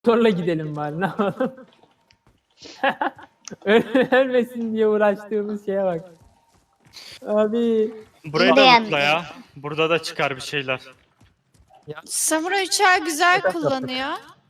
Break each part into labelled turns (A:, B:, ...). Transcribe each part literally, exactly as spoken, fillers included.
A: Motorla gidelim bari, ne yapalım? Öl- Ölmesin diye uğraştığımız şeye bak. Abi.
B: Burayı
C: İyi
B: da
C: beğendim.
B: mutla ya. Burada da çıkar bir şeyler.
D: Samuray uçağı güzel kullanıyor.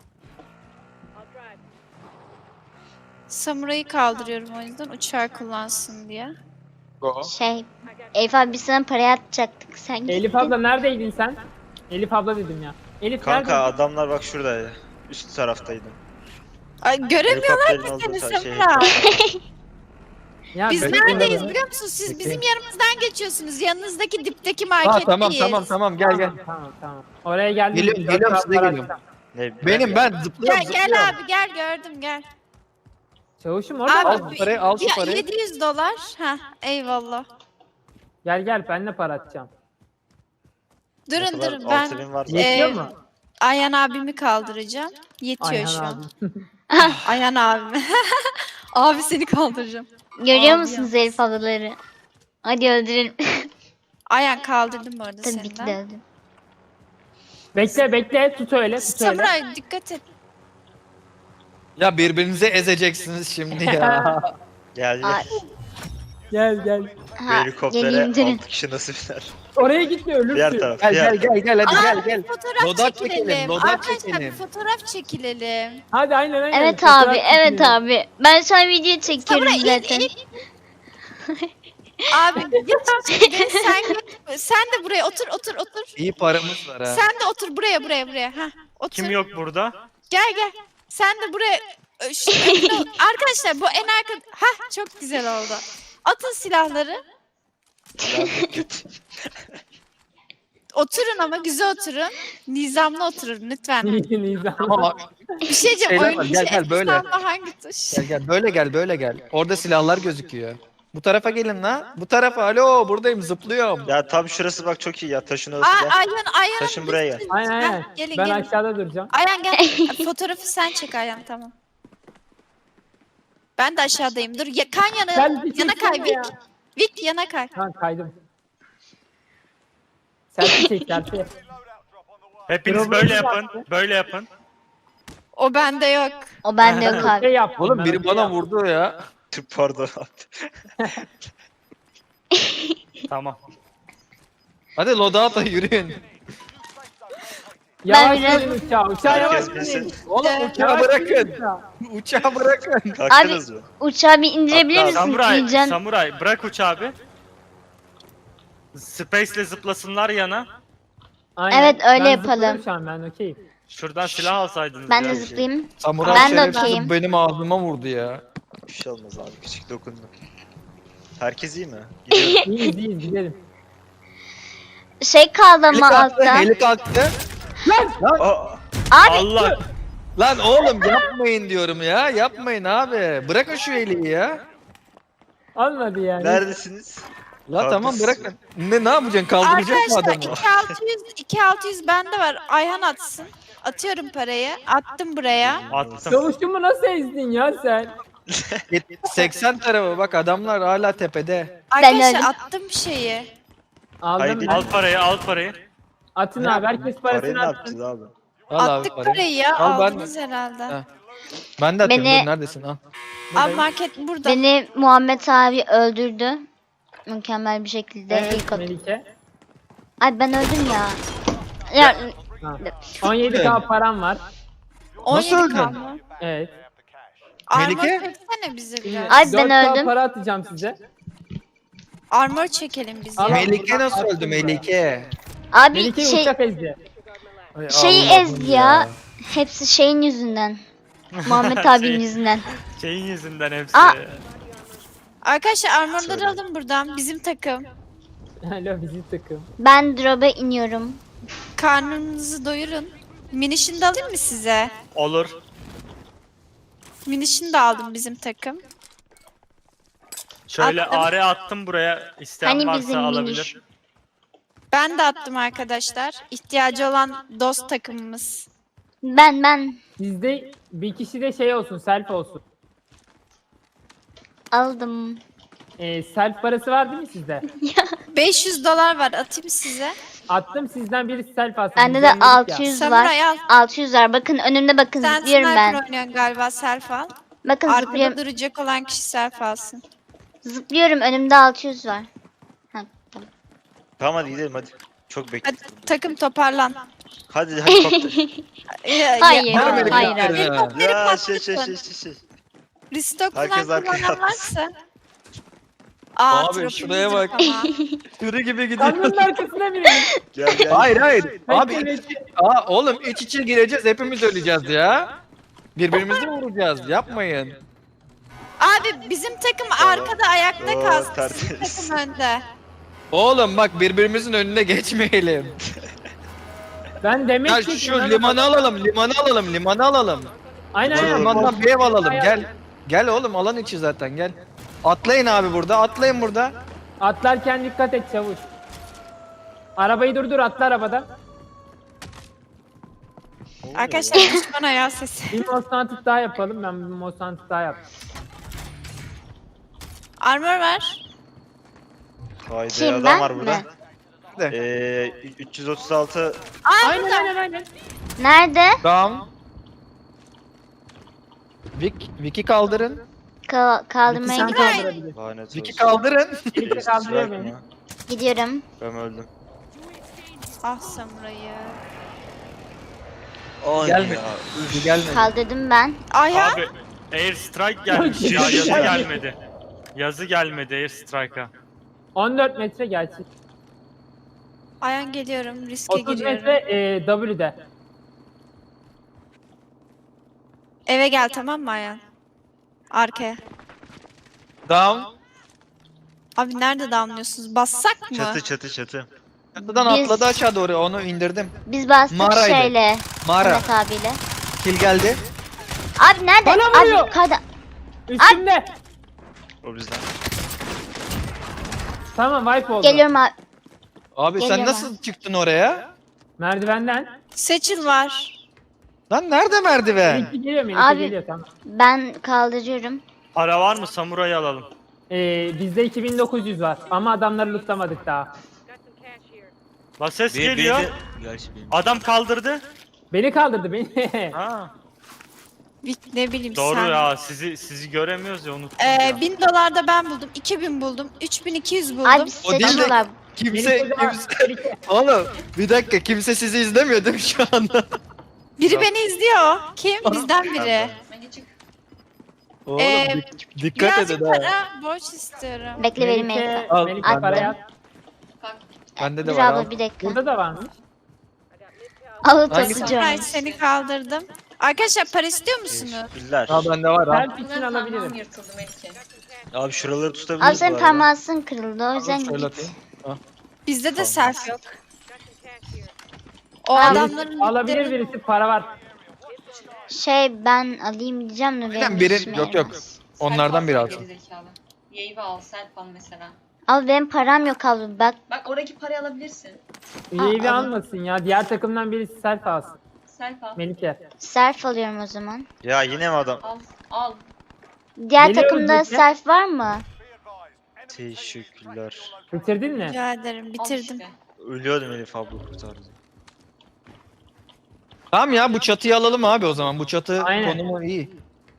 D: Samuray'ı kaldırıyorum o yüzden uçağı kullansın diye.
C: Şey, Elif abi biz sana para atacaktık. Sen gittin.
A: Elif abla neredeydin sen? Elif abla dedim ya. Elif
E: Kanka
A: neredeydin?
E: adamlar bak şuradaydı. Üst taraftaydı.
D: Ay, göremiyorlar
E: Helikopterin
D: ki
E: olduğu
D: seni
E: ta- şey,
D: Samuray.
A: Ya
D: Biz
A: ben-
D: neredeyiz biliyor musunuz? Siz bizim yanımızdan geçiyorsunuz. Yanınızdaki dipteki
F: Ha
D: marketteyiz.
F: tamam tamam tamam gel gel.
A: Tamam, tamam tamam. Oraya geldim.
F: Geliyorum, geliyorum, size geliyorum.
E: Ne,
F: Benim ben zıplıyorum
D: Gel gel
F: zıplıyorum.
D: abi gel gördüm gel.
A: Çavuşum orada
D: Abi,
A: mı?
F: Al şu parayı, al şu
D: ya,
F: parayı.
D: yedi yüz dolar. Ha eyvallah.
A: Gel gel, ben de para atacağım.
D: Durun durun
E: altı bin
D: ben
E: var.
A: Yetiyor
D: Ee,
A: mu?
D: Ayhan abimi kaldıracağım. Yetiyor
A: Ayhan
D: şu an.
A: abi.
D: Ayhan abimi. Abi seni kaldıracağım.
C: Görüyor
D: Abi
C: musunuz
D: ya.
C: Elif ablaları? Hadi öldürelim.
D: Ayhan kaldırdım bu arada
C: Tabii
D: seni
C: ki
D: de.
C: de öldüm.
A: Bekle bekle, tut öyle tut öyle.
D: Samuray dikkat et.
F: Ya birbirinize ezeceksiniz şimdi ya.
E: Gel
C: Ay.
E: gel.
A: Gel gel.
E: Bu
C: Ha,
E: helikoptere
C: geleyim durun.
E: altı kişi nasıl biner?
A: Oraya gitme, ölürsün.
E: Diğer taraf.
F: Gel
E: diğer
F: gel gel gel hadi gel
D: Abi,
F: gel.
D: Fotoğraf
F: Lodat
D: çekilelim.
F: çekelim, lodat
D: Arkadaşlar bir
F: çekelim.
D: fotoğraf çekilelim.
A: Hadi aynen aynen.
C: Evet
A: Fotoğraf
C: abi, evet
A: çekinelim.
C: abi. Ben şu an video çekiyorum
D: Samuray in
C: zaten.
D: in. Abi geç, geç, sen geç. Sen de buraya otur otur otur.
F: İyi paramız var ha.
D: Sen de otur buraya buraya buraya. Heh, otur.
B: Kim yok burada?
D: Gel gel. Sen de buraya. Ö, şu- Arkadaşlar bu en arka. Heh çok güzel oldu. Atın silahları. Oturun ama güzel oturun. Nizamlı oturun lütfen.
A: Nizam.
F: Tamam abi,
D: Bir şey diyeceğim.
F: Şeyler
D: Oyun
F: var, gel,
D: içi
F: gel, böyle.
D: F hangi tuş?
F: gel gel böyle gel böyle gel. Orada silahlar gözüküyor. Bu tarafa gelin la. Bu tarafa. Alo buradayım zıplıyorum.
E: Ya tam şurası bak çok iyi ya. Taşın orası
D: Aa,
E: gel.
D: Ayhan Ayhan.
E: Taşın buraya gel.
A: Aynen aynen.
D: Heh, gelin
A: Ben
D: gelin.
A: aşağıda duracağım.
D: Ayhan gel. Fotoğrafı sen çek Ayhan tamam. Ben de aşağıdayım. Dur ya, kan yana,
A: Sen bir
D: yana kay
A: çeksene
D: Vik.
A: ya.
D: Vik yana kay.
A: Ha kaydım. Selfie çek selfie.
B: Hepiniz
A: Robot
B: böyle
A: yaptı.
B: yapın. Böyle yapın.
D: O bende yok.
C: O bende yok
A: Şey
C: abi.
A: yaptım
F: Oğlum
A: ben,
F: biri
A: şey
F: bana
A: yaptım.
F: vurdu ya.
E: Pardon.
B: Tamam.
F: Hadi loadout'a yürüyün.
A: Yavaş
C: Ben biraz-
A: yürüyün uçağı. Uçağı yavaş
E: Herkes
A: yürüyün.
E: bilsin.
F: Oğlum
D: Evet.
F: uçağı
A: Yavaş yürüyün
F: bırakın.
A: uçağı.
F: Uçağı bırakın.
E: Kalktınız mı?
C: Uçağı bir indirebilir
E: Hatta-
C: misin?
B: Samuray,
C: Gülcan?
B: Samuray bırak uçağı abi. Space'le zıplasınlar yana.
A: Aynen.
C: Evet, öyle
A: Ben
C: yapalım.
A: zıplıyorum Şu an ben okeyim.
B: Şuradan silah alsaydınız
C: Ben
B: ya.
C: de zıplayayım.
F: Samuray
C: Ben de
F: şerefsiz
C: okeyim.
F: benim ağzıma vurdu ya.
E: Bir şey olmaz abi. Küçük dokunduk. Herkes iyi mi? Gidiyorum.
A: İyiyiz iyiyiz gidelim.
C: Şey kaldı
F: Heli
C: ama
F: kalktı,
C: altta.
F: heli kalktı.
E: Aa,
C: Abi
B: Allah.
F: Lan oğlum yapmayın diyorum ya. Yapmayın abi. Bırakın şu heliyi ya.
A: Olmadı yani.
E: neredesiniz?
F: La
E: Kaldır.
F: tamam bırakın. Ne ne yapacaksın? Kaldıracak mı
D: Arkadaşlar
F: adamı?
D: iki altı yüz iki altı yüz bende var. Ayhan atsın. Atıyorum parayı. Attım buraya.
B: Attım.
A: Çavuşumu nasıl ezdin ya sen?
F: seksen tarafı bak adamlar hala tepede.
D: Arkadaşlar
C: öyle-
D: attım şeyi.
A: Aldım
E: Haydi.
A: ben.
B: Al parayı, al parayı.
A: Atın abi, herkes
E: Parayı
A: parasını
E: ne
A: atsın.
E: yapacağız abi?
F: Al abi
D: Attık
F: parayı.
D: parayı ya.
F: Al ben de.
D: Aldınız herhalde.
F: Ha. Ben de atıyorum.
C: Beni-
F: Dur, neredesin? Al.
D: Abi market burada.
C: beni Muhammed abi öldürdü. Mükemmel bir şekilde
A: Evet
C: ilk at-
A: Melike.
C: Ay ben öldüm ya. Ya
A: Ha. on yedi K param var.
D: on yedi
F: Nasıl öldün?
D: kaldı.
A: Evet.
D: Armor
F: Melike?
D: çeksene bize biraz.
C: Ay, ben
A: dört K
C: öldüm.
A: para atacağım size.
D: Armor çekelim biz
A: Al.
D: ya.
F: Melike nasıl öldü Melike?
C: abi
A: Melike'yi
C: şey
A: uçak ezdi.
F: Ay
C: şeyi
F: Allah'ım
C: ezdi ya. Hepsi şeyin yüzünden. Muhammed abinin
B: Şey-
C: yüzünden.
B: Şeyin yüzünden hepsi.
C: Aa!
D: Arkadaşlar armorları
E: Söyle.
D: alın buradan. Bizim takım.
A: Alo bizim takım.
C: Ben drop'a iniyorum.
D: Karnınızı doyurun. Minişini de alayım mı size?
B: Olur.
D: Minişini de aldım bizim takım.
B: Şöyle
D: Attım.
B: are attım buraya. İsteyen
C: Hani
B: varsa
C: bizim
B: alabilir.
C: miniş?
D: Ben de attım arkadaşlar. İhtiyacı olan dost takımımız.
C: Ben ben
A: Sizde bir kişi de şey olsun, self olsun.
C: aldım.
A: Ee, self parası var değil mi sizde?
D: beş yüz dolar var atayım size.
A: Attım sizden birisi self alsın.
C: Bende
A: Biz
C: de
A: ölmedik ya.
C: altı yüz var.
D: Samuray al.
C: altı yüz var. Bakın önümde bakın
D: Sen
C: zıplıyorum
D: sniper
C: ben.
D: oynuyorsun galiba, self al.
C: Bakın
D: Arkada
C: zıplıyorum.
D: duracak olan kişi self alsın.
C: Zıplıyorum önümde altı yüz var. Ha, tamam.
E: Tamam hadi gidelim hadi. Çok
D: Hadi
E: bekledim.
D: takım toparlan.
E: Hadi hadi kopter.
D: Ee,
C: Hayır,
D: ya-
F: hayır,
C: hayır.
F: hayır.
D: Helikopteri
E: Ya şey şey
D: patlatın.
E: şey şey şey.
D: Restock falan
E: Herkes arkaya
D: kullanan
E: atlasın.
D: varsa. Aa,
F: Abi,
D: tropimiz
F: şuraya
D: yok
F: bak.
D: ama.
F: Sürü gibi gidiyor.
A: Kamyonun arkasına binelim.
E: Gel gel.
F: Hayır hayır. Abi
A: Bekle,
F: iç- Aa, oğlum iç içe gireceğiz hepimiz öleceğiz ya. Birbirimizi vuracağız yapmayın.
D: Abi bizim takım arkada ayakta
E: Oo,
D: kalsın. Bizim
E: tertemiz.
D: takım önde.
F: Oğlum bak birbirimizin önüne geçmeyelim.
A: Ben demek
F: Gel
A: ki...
F: şu limanı alalım limanı alalım limanı alalım.
A: Aynen aynen.
F: Limandan bir ev alalım gel. Gel oğlum alan içi zaten gel. Atlayın abi burada atlayın burada.
A: Atlarken dikkat et çavuş. Arabayı durdur, atla arabadan.
D: Arkadaşlar düşman ayağı sesi.
A: Bir Mosantık daha yapalım. Ben bir Mosantık daha yaptım.
D: Armor ver.
E: Haydi
C: Kim,
E: adam
C: ben
E: var burada.
C: mi?
E: Ee, üç yüz otuz altı
D: Ay
A: Aynen
D: burada.
A: aynen aynen.
C: Nerede?
F: Tamam. Vic, Vic'i kaldırın.
C: Ka- kaldırmaya
A: Sen
C: gidiyorum.
A: kaldırabilirsin.
E: lanet
F: Vic'i
E: olsun.
F: kaldırın.
A: Birlikte
E: Ee,
A: kaldırıyor
E: strike
A: beni.
E: mı?
C: Gidiyorum.
E: Ben öldüm.
D: Ah Samuray'ı.
E: Ay
F: Gelme.
E: ya.
F: Vic gelmedi.
C: Kaldırdım ben.
D: Ayhan.
B: Abi Air Strike gelmiş ya yazı gelmedi. Yazı gelmedi Air Strike'a.
A: on dört metre gerçek.
D: Ayhan geliyorum. Riske
A: otuz
D: giriyorum.
A: metre e, W'de.
D: Eve gel tamam mı Ayhan? Arkaya.
F: Down.
D: Abi nerede damlıyorsunuz? Bassak mı?
E: Çatı çatı çatı.
F: Çatıdan
C: Biz-
F: atladı aşağı doğru onu indirdim.
C: Biz bastık
F: Mağaraydı.
C: şeyle.
F: Mağara.
C: Mehmet abiyle.
F: Kill geldi.
C: Abi nerede?
A: Bana vuruyor.
C: Abi kada.
A: Üstümde.
E: O bizden.
A: Tamam wipe oldu.
C: Geliyorum abi.
F: Abi sen
C: Geliyorum
F: nasıl çıktın oraya?
A: Merdivenden.
D: Seçil var.
F: Lan nerede merdiven?
A: Melike geliyor Melike
C: Abi-
A: geliyor tamam.
C: Ben kaldırıyorum.
B: Para var mı? Samuray'ı alalım.
A: Ee, bizde iki bin dokuz yüz var ama adamları lootlamadık daha.
B: La ses
E: Bir-
B: geliyor.
E: bir- Gerçi benim.
B: Adam kaldırdı.
A: Beni kaldırdı beni.
B: Ha.
D: Bir- Ne bileyim
B: Doğru
D: sen.
B: ya sizi sizi göremiyoruz ya unuttum.
D: Ee,
B: ya.
D: bin dolar da ben buldum. iki bin buldum. üç bin iki yüz buldum.
C: Abi
F: O değil de-
C: seçiyorlar.
F: Kimse,
A: Melike daha-
F: kimse... Oğlum bir dakika kimse sizi izlemiyor değil mi şu anda?
D: Biri beni izliyor. Kim? Bizden biri.
F: Oğlum
D: Ee,
F: dik- dikkat
D: Birazcık
F: edin ha.
D: para borç istiyorum.
C: Bekle benim
A: Melike,
C: elimde.
F: Al,
A: Melike
F: bende.
A: parayı at.
F: Bende de
C: Dur
F: var
C: abla
F: al.
C: bir dakika.
A: Burada da varmış.
C: Al
F: Hangisi?
D: Samuray
C: oturacağım.
D: seni kaldırdım. Arkadaşlar para istiyor musunuz?
E: Teşekkürler.
F: Al bende var al.
A: Self için alabilirim.
E: Abi şuraları tutabiliriz
C: Abi senin
E: bu arada.
C: parmağın kırıldı o yüzden
F: Şöyle
C: git.
F: atayım.
D: Bizde de
E: Tamam.
D: self yok. O
C: Abi-
D: adamların
A: Alabilir
D: bitleri-
A: birisi para var.
C: Şey ben alayım diyeceğim de benim
F: Aynen, biri-
C: işime
F: yok, yok.
C: yaramaz.
F: Onlardan biri alsın.
G: Yayı al, self al mesela.
C: Abi benim param yok abla bak.
G: Bak oradaki parayı alabilirsin.
A: Üyeyi
C: Aa,
A: almasın ya. Diğer takımdan birisi self alsın.
G: Self al.
A: Melike.
C: Self alıyorum o zaman.
E: Ya yine mi adam?
G: Al, al.
C: Diğer
A: Geliyorum
C: takımda
A: Melike.
C: self var mı?
E: Teşekkürler.
A: Bitirdin mi?
D: Rica ederim
G: Al
D: bitirdim.
G: işte.
E: Ölüyordum Elif abla kurtardı.
F: Tamam ya bu çatıyı alalım abi o zaman. Bu çatı
A: Aynen.
F: konumu iyi.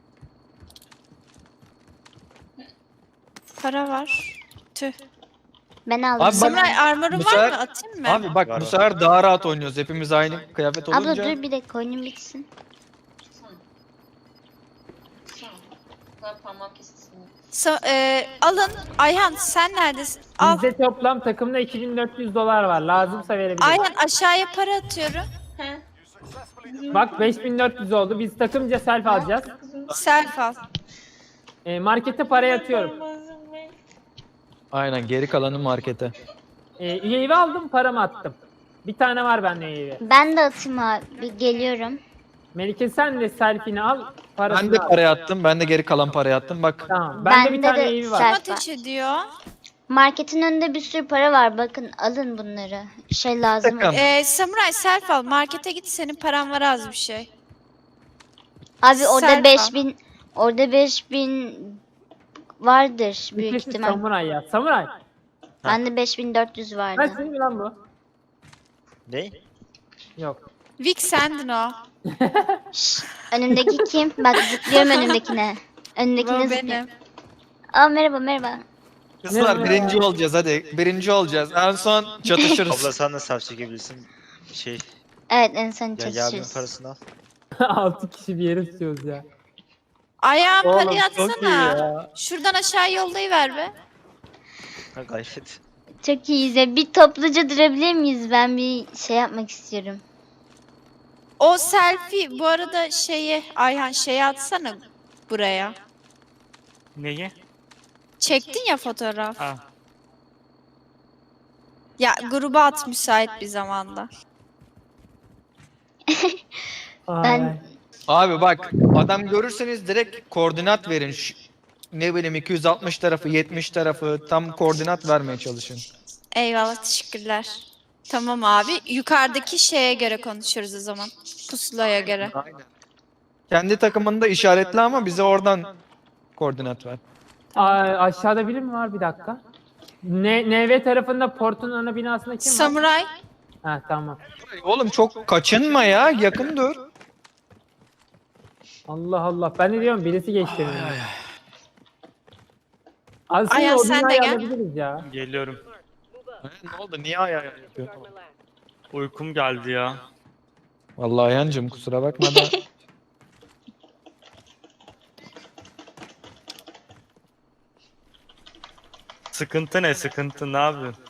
D: Para var. Tüh.
C: Ben aldım.
F: Abi bak-
D: Samuray armorun
F: bu
D: var
F: sefer-
D: mı? Atayım mı?
F: Abi bak
E: Var,
F: bu
E: var.
F: sefer daha rahat oynuyoruz. Hepimiz aynı kıyafet
C: Abla
F: olunca.
C: dur bir dakika oyunum bitsin.
G: Tutsana. Tutsana. Bu kadar parmak kessin.
D: Sa- e, alın. Ayhan sen neredesin? Al.
A: Bizde toplam takımda iki bin dört yüz dolar var. Lazımsa verebilirim.
D: Ayhan aşağıya para atıyorum.
G: He.
A: Bak beş bin dört yüz oldu. Biz takımca self alacağız.
D: Self al.
A: E, markete parayı atıyorum.
F: Aynen geri kalanı markete.
A: E, üyeyi aldım, paramı attım. Bir tane var bende üyeyi.
C: Ben de atayım abi geliyorum.
A: Melike sen de selfie'ni al. Parasını
F: Ben de
A: al.
F: parayı attım. Ben de geri kalan parayı attım. Bak
A: Tamam. Bende bir
C: Bende
A: tane
C: de
A: üyeyi var.
C: self-
D: Ateş ediyor.
C: Marketin önünde bir sürü para var. Bakın alın bunları. Şey lazım.
F: Takım.
D: E, Samuray self al. Markete git senin paran var az bir şey.
C: Abi orada
D: Self al.
C: beş bin orada beş bin vardır büyük
A: Ülkesi
C: ihtimal.
A: samuray ya. Samuray.
C: Bende beş bin dört yüz vardı.
A: Kaç senin mi lan bu?
E: Ne?
A: Yok.
D: Vic sendin o.
C: Şşş, önümdeki kim? Bak zıplıyorum önümdekine. Önümdekine
D: Bu
C: zıplıyorum.
D: benim.
C: Aa merhaba merhaba.
F: Kızlar
A: Ne?
F: birinci olacağız hadi. Birinci olacağız. En son çatışırız.
E: Abla sen de saf çekebilirsin. Şey
C: Evet en son
E: ya Yabi'nin
C: çalışırız.
E: parasını al.
A: Altı kişi bir yere tutuyoruz ya.
D: Ayağım
A: Oğlum,
D: parayı
A: çok iyi
D: atsana.
A: ya.
D: Şuradan aşağı yollayıver be.
E: Ha gayret.
C: Çok iyiyiz ya. Bir topluca durabilir miyiz? Ben bir şey yapmak istiyorum.
D: O selfie bu arada şeyi Ayhan şeyi atsana buraya.
B: Neyi?
D: Çektin ya fotoğraf.
B: Ha.
D: Ya gruba at müsait bir zamanda.
A: Ay.
C: Ben-
F: Abi bak adam görürseniz direkt koordinat verin. Şu, ne bileyim iki yüz altmış tarafı, yetmiş tarafı tam koordinat vermeye çalışın.
D: Eyvallah teşekkürler. Tamam abi. Yukarıdaki şeye göre konuşuruz o zaman. Pusulaya göre.
F: Aynen. Kendi takımında işaretli ama bize oradan koordinat ver.
A: Ay, aşağıda biri mi var? Bir dakika. Ne, N V tarafında portun ana binasında kim var?
D: Samuray.
A: Ha tamam.
F: Oğlum çok kaçınma ya, yakın dur.
A: Allah Allah. Ben de diyorum birisi geçti. önüme. Aslında
D: Ayhan,
A: o
D: sen de
A: binayı
D: gel.
A: alabiliriz ya.
B: Geliyorum.
F: Ne oldu? Niye ayağa yapıyorsun?
B: Uykum geldi ya.
F: Vallahi Ayhancığım kusura bakma da.
B: Sıkıntı ne sıkıntı ne yapıyorsun?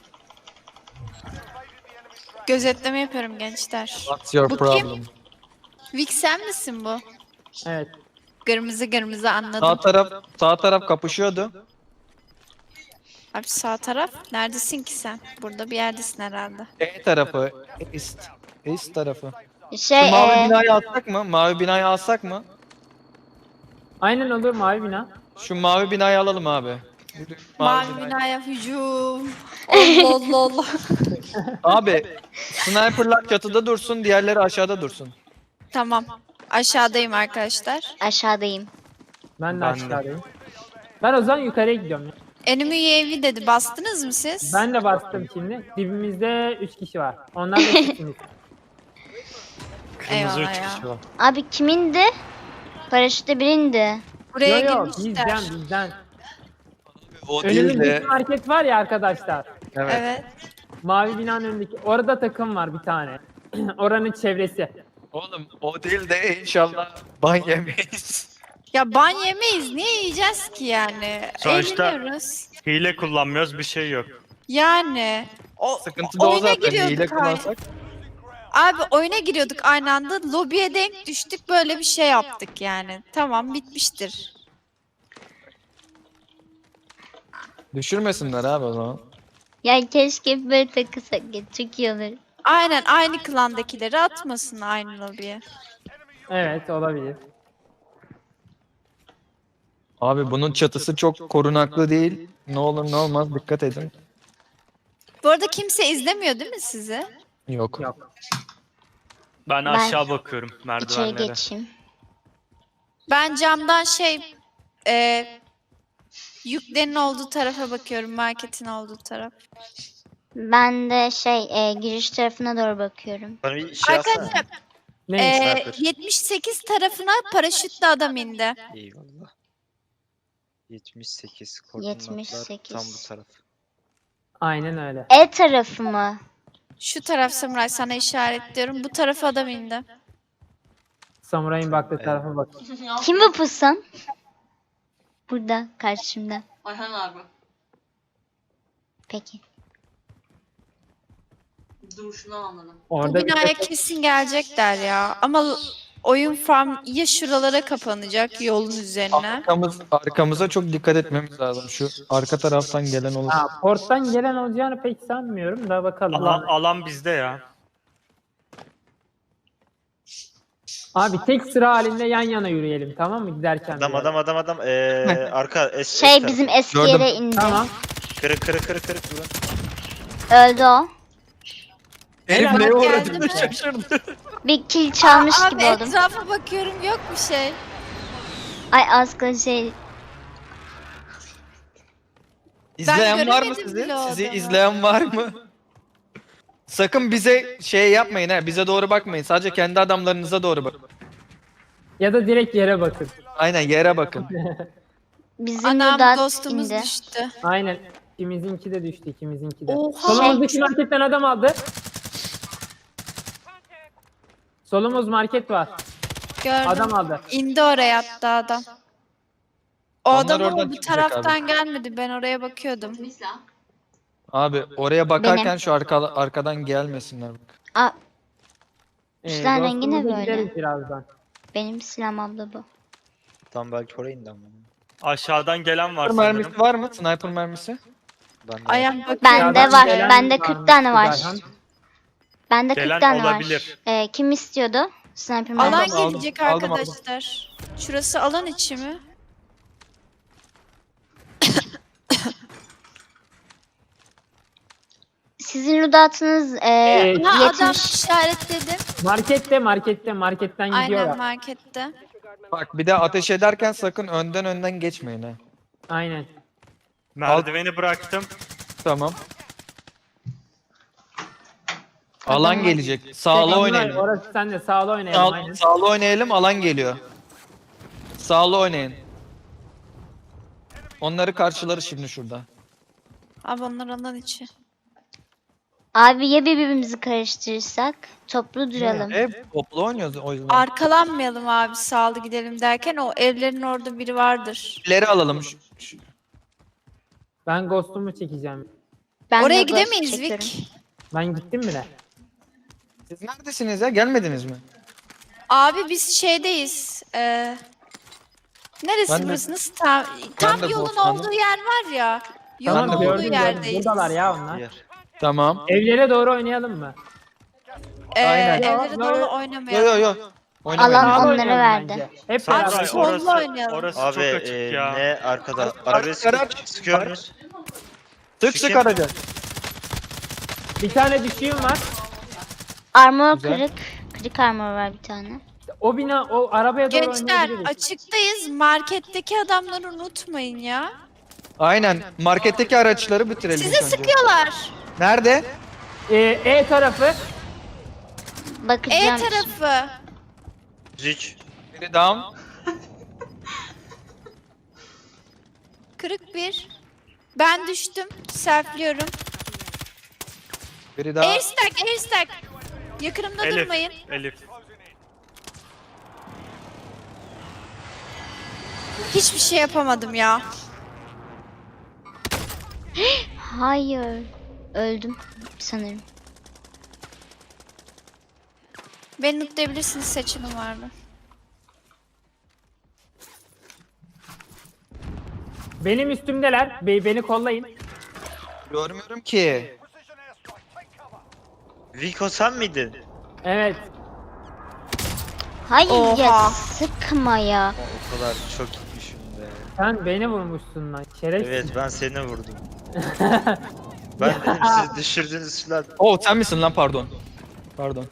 D: Gözetleme yapıyorum gençler.
F: What's your
D: Bu kim?
F: problem?
D: Vic sen misin bu?
A: Evet.
D: Kırmızı kırmızı
F: Sağ
D: anladım.
F: taraf sağ taraf kapışıyordu.
D: Abi sağ taraf. Neredesin ki sen? Burada bir yerdesin herhalde.
F: E tarafı, east, east tarafı.
C: Şey
F: Şu mavi
C: e,
F: binayı alsak mı? Mavi binayı alsak mı?
A: Aynen olur mavi bina.
F: Şu mavi binayı alalım abi. Yürü,
D: Mavi
F: binayı.
D: binaya hücum. Allah Allah Allah.
F: Abi sniperlar çatıda dursun, diğerleri aşağıda dursun.
D: Tamam. Aşağıdayım arkadaşlar.
C: aşağıdayım.
A: Ben de
B: Ben de.
A: aşağıdayım. Ben o zaman yukarıya gidiyorum ya.
D: Enemy U A V dedi. Bastınız mı siz?
A: Ben de bastım şimdi. Dibimizde üç kişi var. Onlar da sizsiniz.
B: Kırmızı
D: Eyvallah
B: üç
D: ya.
B: kişi var.
C: Abi kimindi? Paraşütte birindi.
D: Buraya
A: Yo yo
D: girmişler.
A: bizden bizden.
F: O değil
A: Önümüzdeki
F: de.
A: market var ya arkadaşlar.
F: Evet.
D: Evet.
A: Mavi binanın önündeki. Orada takım var bir tane. Oranın çevresi.
F: Oğlum o değil de inşallah ban yemeyiz.
D: Ya ban yemeyiz. Niye yiyeceğiz ki yani?
B: Sonuçta-
D: Eğleniyoruz.
B: Hile kullanmıyoruz bir şey yok.
D: Yani. O,
F: Sıkıntı da o
D: oyuna
F: zaten.
D: giriyorduk
F: Hile
D: aynı.
F: kullansak.
D: Abi oyuna giriyorduk aynı anda. Lobiye denk düştük. Böyle bir şey yaptık yani. Tamam bitmiştir.
F: Düşürmesinler abi o zaman.
C: Ya keşke böyle takılsak ya. Çok iyi olur.
D: Aynen aynı klandakileri atmasın aynı lobiye.
A: Evet olabilir.
F: Abi bunun çatısı çok korunaklı değil. Ne olur ne olmaz dikkat edin.
D: Bu arada kimse izlemiyor değil mi sizi?
F: Yok.
A: Yok.
B: Ben,
C: Ben-
B: aşağı bakıyorum
C: İçeri
B: merdivenlere.
C: geçeyim.
D: Ben camdan şey e, yüklerin olduğu tarafa bakıyorum. Marketin olduğu taraf.
C: Ben de şey e, giriş tarafına doğru bakıyorum.
E: Bana bir şey alsana.
D: Arkadaşlar
A: Neymiş?
D: e,
E: Sniper.
D: yetmiş sekiz tarafına paraşütle adam indi.
E: Eyvallah. yetmiş sekiz koordinatlar
C: yetmiş sekiz.
E: tam bu taraf.
A: Aynen öyle.
C: E tarafı mı?
D: Şu taraf Samuray sana işaretliyorum. Bu tarafa adam indi.
A: Samuray'ın baktığı tarafa bak.
C: Kim bu pusan? Burada karşımda.
G: Ayhan abi.
C: Peki.
G: Duruşunu anladım.
D: Bu
A: Orada bir
D: binaya
A: tek-
D: kesin gelecekler ya. Ama oyun farm ya şuralara kapanacak yolun üzerine.
F: Arkamız, arkamıza çok dikkat etmemiz lazım. Şu arka taraftan gelen olur.
A: Ha, porttan gelen olacağını pek sanmıyorum da bakalım.
B: Alan, alan bizde ya.
A: Abi tek sıra halinde yan yana yürüyelim tamam mı giderken?
E: Adam
A: bir yere.
E: adam adam adam. Ee, arka es, es
C: Şey
E: tarafı.
C: bizim eski
F: Gördüm.
C: yere indi.
A: Tamam.
E: Kırık kırık kırık kırık durun.
C: Öldü o.
F: Herif
A: Helal,
F: neye
D: geldi
F: uğradığını
D: mi?
F: şaşırdı.
C: Bir kill çalmış
D: Abi
C: gibi oldum.
D: etrafa bakıyorum yok bir şey.
C: Ay az kala şey.
F: İzleyen var mı
D: göremedim
F: sizi?
D: bile o
F: Sizi
D: adamı.
F: izleyen var mı? Sakın bize şey yapmayın ha. Bize doğru bakmayın. Sadece kendi adamlarınıza doğru bakın.
A: Ya da direkt yere bakın.
F: Aynen yere bakın.
C: Bizim
D: Anam
C: Ludat
D: dostumuz
C: indi.
D: düştü.
A: Aynen. İkimizinki de düştü, ikimizinki de.
D: Oha.
A: Solumuzdaki marketten adam aldı. Solumuz market var.
D: Gördüm.
A: Adam aldı.
D: İndi oraya hatta adam. O
F: Onlar
D: adam
F: oradan
D: ama bu
F: çıkacak
D: taraftan gelmedi. Ben oraya bakıyordum.
G: Kimin silahı?
F: Abi oraya bakarken
C: Benim.
F: şu arka, arkadan gelmesinler. Bak.
C: Aa,
A: Ee,
C: Üstten rengi ne
A: dostumuza
C: böyle?
A: gideriz birazdan.
C: benim silahım abla bu.
E: Tam belki oraya indi ama.
B: Aşağıdan gelen var
F: Sniper mermisi
B: sanırım.
F: var mı? Sniper mermisi?
E: Ben de
D: Ayağım bakıyor.
C: Bende
A: Dışarıdan
C: var.
A: gelen
C: Bende
A: varmış
C: kırk tane var.
A: Güzelhan.
C: Bende
B: Gelen
C: kırk tane
B: olabilir.
C: var. Ee, kim istiyordu? Sniper
D: Alan
C: mermisi.
F: aldım,
D: gelecek
F: aldım, aldım.
D: arkadaşlar. Şurası alan içi mi?
C: Sizin Ludat'ınız e,
A: Ee,
D: Ha adam
C: yetmiş.
D: işaretledim.
A: Markette, markette, marketten
D: Aynen
A: gidiyorlar.
D: markette.
F: Bak bir de ateş ederken sakın önden önden geçmeyin ha.
A: Aynen.
B: Merdiveni bıraktım.
F: Tamam. Alan
C: Adamlar-
F: gelecek. Sağlı
A: Onlar-
F: oynayın.
A: Orası sen de sağlı oynayalım.
F: Sağ,
A: aynen.
F: sağlı oynayalım, alan geliyor. Sağlı oynayın. Onları karşıları şimdi şurada.
D: Abi onlar alan içi.
C: Abi ya birbirimizi karıştırırsak toplu duralım.
F: Hep toplu oynuyoruz o yüzden.
D: Arkalanmayalım abi sağlı gidelim derken o evlerin orada biri vardır.
F: İleri alalım. Şu- şu-
A: Ben Ghost'umu çekeceğim.
C: Ben
D: Oraya
C: de ghost
D: gidemeyiz
C: çekiyorum.
D: Vic.
A: Ben gittim bile.
F: Siz neredesiniz ya? Gelmediniz mi?
D: Abi biz şeydeyiz. Ee, neresi
F: Ben de-
D: burası? Nasıl tam, tam
F: de
D: yolun
F: Bosna'da.
D: olduğu yer var ya. Yolun
F: Tamam,
D: olduğu
A: gördüm, gördüm.
D: yerdeyiz.
A: Buradalar ya onlar.
E: Yer.
F: Tamam.
A: Evlere doğru oynayalım mı?
D: Ee,
F: Aynen.
D: evlere
A: Yo,
D: doğru
A: yo.
F: Yo
D: oynamayalım.
F: yo yo. Oynamayın.
C: Alan-
A: Sağlı
C: onlara
A: oynayalım
C: verdi.
A: bence. Hep
D: Abi,
A: beraber.
B: Samuray,
D: solda
B: orası,
D: oynayalım.
B: orası
E: Abi
B: çok açık
E: e,
B: ya.
E: ne arkada?
F: Araç,
E: Arabaya sıkı-
F: araç.
E: sıkıyor muyuz?
F: Sık sık araca.
A: Bir tane düşüğüm var.
C: Armor
F: Güzel.
C: kırık. Kırık armor var bir tane.
A: O bina, o arabaya doğru
D: Gençler
A: oynayabiliriz.
D: açıktayız. Marketteki adamları unutmayın ya.
F: Aynen. Marketteki araçları bitirelim
D: Size
F: ilk önce.
D: sıkıyorlar.
F: Nerede?
A: Ee, E tarafı.
D: E
C: Bakacağım.
D: tarafı.
E: Zik.
F: Biri down.
D: Kırık bir. Ben düştüm. Selfliyorum.
F: Biri daha.
D: Airstack, airstack. Yakınımda
B: Elif,
D: durmayın.
B: Elif.
D: Hiçbir şey yapamadım ya.
C: Hayır. Öldüm sanırım.
D: Beni lootlayabilirsiniz, seçimim var mı?
A: Benim üstümdeler. Be- beni kollayın.
F: Görmüyorum ki.
E: Vico sen miydin?
A: Evet.
C: Hayır ya
D: Oha.
C: sıkma ya.
E: O kadar çok gitmişim be.
A: Sen beni vurmuşsun lan. Şerefsiz.
E: Evet ben seni vurdum. Ben dedim siz düşürdüğünüz silah.
F: Oh sen misin lan pardon. Pardon.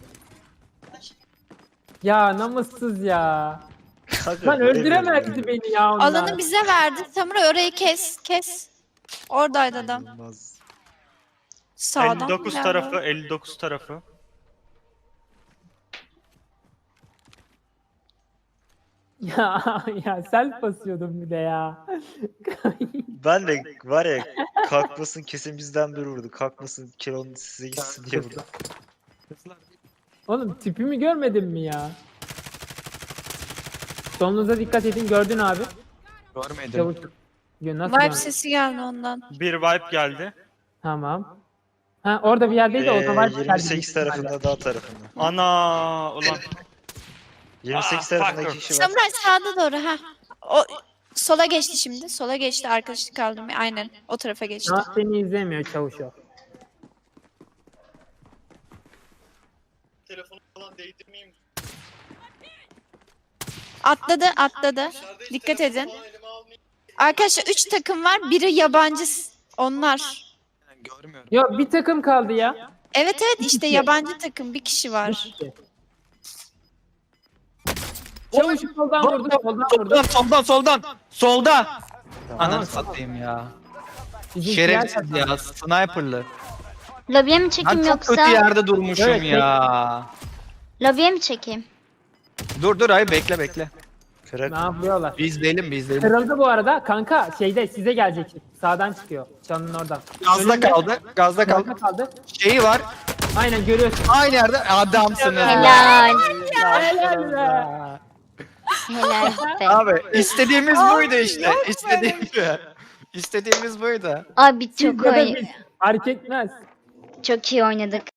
A: Ya namussuz ya.
E: Kanka,
A: Lan
E: böyle
A: öldüremezdi
E: böyle.
A: beni ya onlar.
D: Alanı bize verdi. Samuray orayı kes, kes. Oradaydı adam.
E: Olmaz.
D: Sağdan.
B: elli dokuz
D: gel
B: tarafı,
D: böyle.
B: elli dokuz tarafı.
A: Ya ya self basıyordum bir de ya.
E: Ben de var ya kalkmasın kesin bizden biri vurdu. Kalkmasın kilonun size gitsin diye vurdu.
A: Oğlum tipimi görmedin mi ya? Solunuza dikkat edin, gördün abi.
F: Görmedim.
A: Çabuk. Ya nasıl
D: Vibe
A: yani?
D: sesi geldi ondan.
B: Bir wipe geldi.
A: Tamam. Ha orada bir yerdeydi o
E: Ee,
A: zaman.
E: yirmi sekiz tarafında dağ tarafında.
B: Ana ulan.
E: yirmi sekiz
B: Ah,
E: tarafında
B: fucker.
E: iki kişi var.
D: Samuray sağda doğru ha. O sola geçti şimdi. Sola geçti, arkadaşlık kaldım. Aynen o tarafa geçti.
A: Ha, seni izlemiyor çavuş o.
D: Atladı, atladı. Dikkat edin. Arkadaşlar üç takım var. Biri yabancı. s- Onlar.
F: Görmüyorum.
A: Ya bir takım kaldı ya.
D: Evet evet işte
A: kişi.
D: yabancı takım bir kişi var.
A: Çavuş soldan vurdu, soldan vurdu.
F: Soldan soldan soldan. Solda. Ananı satayım ya.
A: Bizimkiler
F: Şerefsiz ya. Sniper'lı.
C: Lobiye mi
F: Ben
C: çekeyim
F: çok
C: yoksa?
F: kötü yerde durmuşum
A: Evet,
F: ya.
C: Lobiye mi çekeyim?
F: Dur dur ay bekle bekle.
E: Kırık.
A: Ne yapıyorlar?
F: Biz izleyelim biz izleyelim.
A: Kırıldı bu arada. Kanka şeyde size gelecek. Sağdan çıkıyor. Çalının oradan.
F: Gazda
A: Önünde.
F: kaldı. Gazda kaldı.
A: Gazda kaldı.
F: Şeyi var.
A: Aynen görüyorsun.
F: Aynı yerde adamsınız.
C: Helal.
A: Helal be.
C: Helal be.
F: Abi istediğimiz buydu işte. İstediğimiz İstediğimiz buydu.
C: Abi
A: Siz
C: çok
A: ya da
C: oy
A: biz. Fark etmez.
C: çok iyi oynadık.